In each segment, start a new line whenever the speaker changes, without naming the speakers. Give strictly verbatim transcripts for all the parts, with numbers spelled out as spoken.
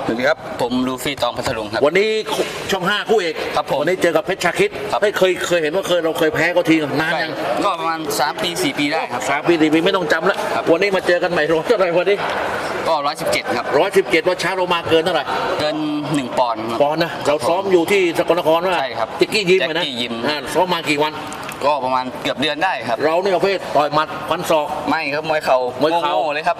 สวัสดีครับผมลูฟี่ตองพัทลุงครับ
วันนี้ช่องห้าคู่เอก
ครับผม
วันนี้เจอกับเพชรชาคิดไม่เคยเคยเห็นว่าเคยเราเคยแพ้ก็ทีนานยัง
ก็ประมาณสามปีสี่ปีได้ครับ
สามปีสี่ปีไม่ต้องจำแล้ววันนี้มาเจอกันใหม่ร้อยเท่าไหร่วันนี้
ก็ร้อยสิบเจ็ดครับ
ร้อยสิบเจ็ดว่าช้าเรามาเกินเท่าไหร่
เกินหนึ่งปอนด์
ปอนด์นะเราซ้อมอยู่ที่สกลนครว่า
ใช่ครับ
ติกกี้ยิมนะ
ยิม
ซ้อมมากี่วัน
ก็ประมาณเกือบเดือนได้ครับ
เรานี่ประเภทต่อยหมัดฟันศอก
ไม่ครับมวยเข่าม
วยเข่า
เลยครับ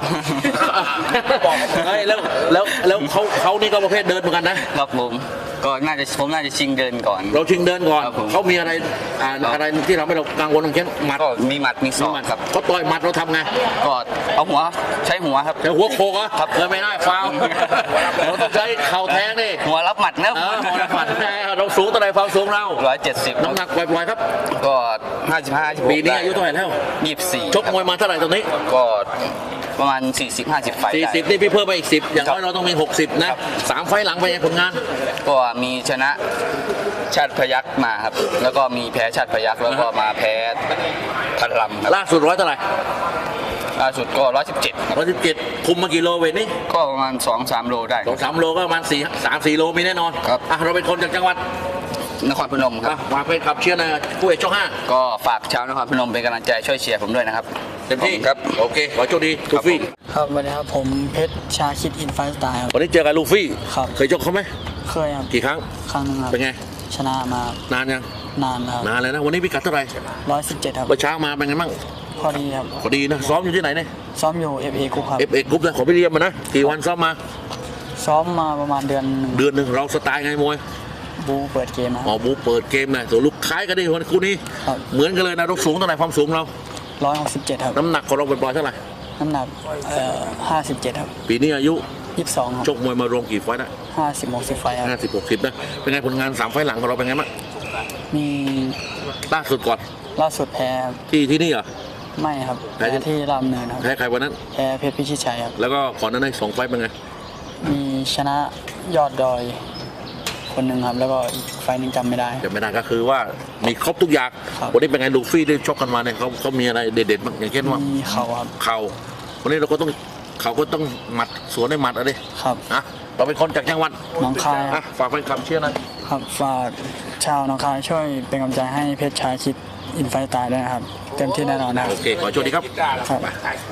แล้วแล้วแล้วเขาเขานี่ก็ประเภทเดินเหมือนกัน
นะครับผมก็น่าจะผมน่าจะชิงเดินก่อน
เราชิงเดินก่อนเขามีอะไรอะไรที่เราไม่เรากังวลตรงเช่นหมัด
ก็มีหมัดมีศอกครับ
เขาต่อยหมัดเราทำไง
ก็เอาหัวใช้หัวครับ
ใช้หัวโคกอ่ะครับเลยไม่ได้ฟาวเราต้องใช้เข่าแทงนี่
หัวรับหมัดนะ
หัวรับหมัดเราสูงเท่าไหร่ความสูงเรา
ร้อยเจ็ดสิบ
น้ำหนักปล่อยๆครับ
ก็ห้าสิบห้า
ปีนี้อายุเท่าไหร่แล้ว
ยี่สิบสี่
ชกมวยมาเท่าไหร่ตรงนี้
ก็ประมาณสี่สิบ ห้าสิบไฟ
สี่สิบนี่พี่เพิ่มไปอีกสิบอย่างน้อยเราต้องมีหกสิบนะสามไฟหลังไปยังผลงาน
ก็มีชนะชาติพยัคฆ์มาครับแล้วก็มีแพ้ชาติพยัคฆ์แล้วก็มาแพ้พันลำครับ
ล่าสุดร้อยเท่าไหร่
ล่าสุดก็ร้อยสิบเจ็ด
ร้อยสิบเจ็ดคุมมากี่โลเวทนี่
ก็ประมาณสองสามโลได้
สองสามโลก็ประมาณสี่สามสี่โลมีแน่นอน
ครับ
อ่ะเราเป็นคนจากจังหวัด
นครพนมครับ
ฝากเป็นขับเชียร์นะคู่เอกช่องห้า
ก็ฝากชาวนครพนมเป็นกำลังใจช่วยเชียร์ผมด้วยนะครับ
เต็มที่ครับโอเคขอโชคดีลูฟี่
ครับสวัสดีครับผมเพชรชาคิดอินไฟสไตล์ครับ
วันนี้เจอกับลูฟี่
ครับ
เคยชกเขาไหม
เคยครับ
กี่ครั้ง
ครั้งนึงครับ
เป็นไง
ชนะมาน
านยัง
นานครับ
นานเลยนะวันนี้พิกัดเท่าไหร่
ร้อยสิบเจ็ดครับ
เมื่อเช้ามาเป็นไงบ้าง
พอดีครับ
พอดีนะซ้อมอยู่ที่ไหนเนี่ย
ซ้อมอยู่ เอฟ เอ Group ครับ
เอฟ เอ Group นะขอไปเรียนมานะกี่วันซ้อมมา
ซ้อมมาประมาณเดือนหนึ่ง
เดือนหนึ่งเราสไตล์ไงมวย
บูเปิดเกมนะ
อ๋อบูเปิดเกมนะตัวลูกคล้ายกันดิวันคู่นี้เหมือนกันเลยนะเราสูงเท่าไหร่ความสูงเรา
ร้อยหกสิบเจ็ดครับ
น้ำหนักของเราเป็นปล่อยเท่าไหร่
น้ำหนักเอ่อห้าสิบเจ็ดครับ
ปีนี้อายุ
ยี่สิบสองครับ
ชกมวยมารวมกี่ไฟต์ได้
ห้าสิบหกสิบไฟต์
ห้าสิบหกสิบนะเป็นไงผลงานสามไฟต์หลังของเราเป็นไงบ้าง
มี
ล่าสุดก่อน
ล่าสุดแพ้
ที่ที่นี่เหรอ
ไม่ครับแพ้ที่รามเนินครับ
แพ้ใครวันนั้น
แพ้เพชรพิชิตชัยครับ
แล้วก็ก่อนนั้นในสองไฟต์เป็นไง
มีชนะยอดดอยคนหนึ่งครับแล้วก็อีกไฟนึงจำไม่ได้
จำไม่ได้ก็คือว่ามีครบทุกอย่างวันนี้เป็นไงลูฟี่ได้ชกกันมาเนี่ยเขาเขามีอะไรเด็ดๆบ้างอย่างเช่นว่า
มีเข่าครับ
เข่าวันนี้เราก็ต้องเขาก็ต้องหมัดสวนได้หมัดอะไร
ครับ
นะเราเป็นคนจากจังหวัด
หนองคาย
อ่ะฝากเป็นคำเชื่อนะครับ
ฝากชาวหนองคายช่วยเป็นกำลังใจให้เพชรชาคิดอินไฟตายด้วยนะครับเต็มที่แน่นอนนะ
โอเคขอโชคดีครับ
ครับ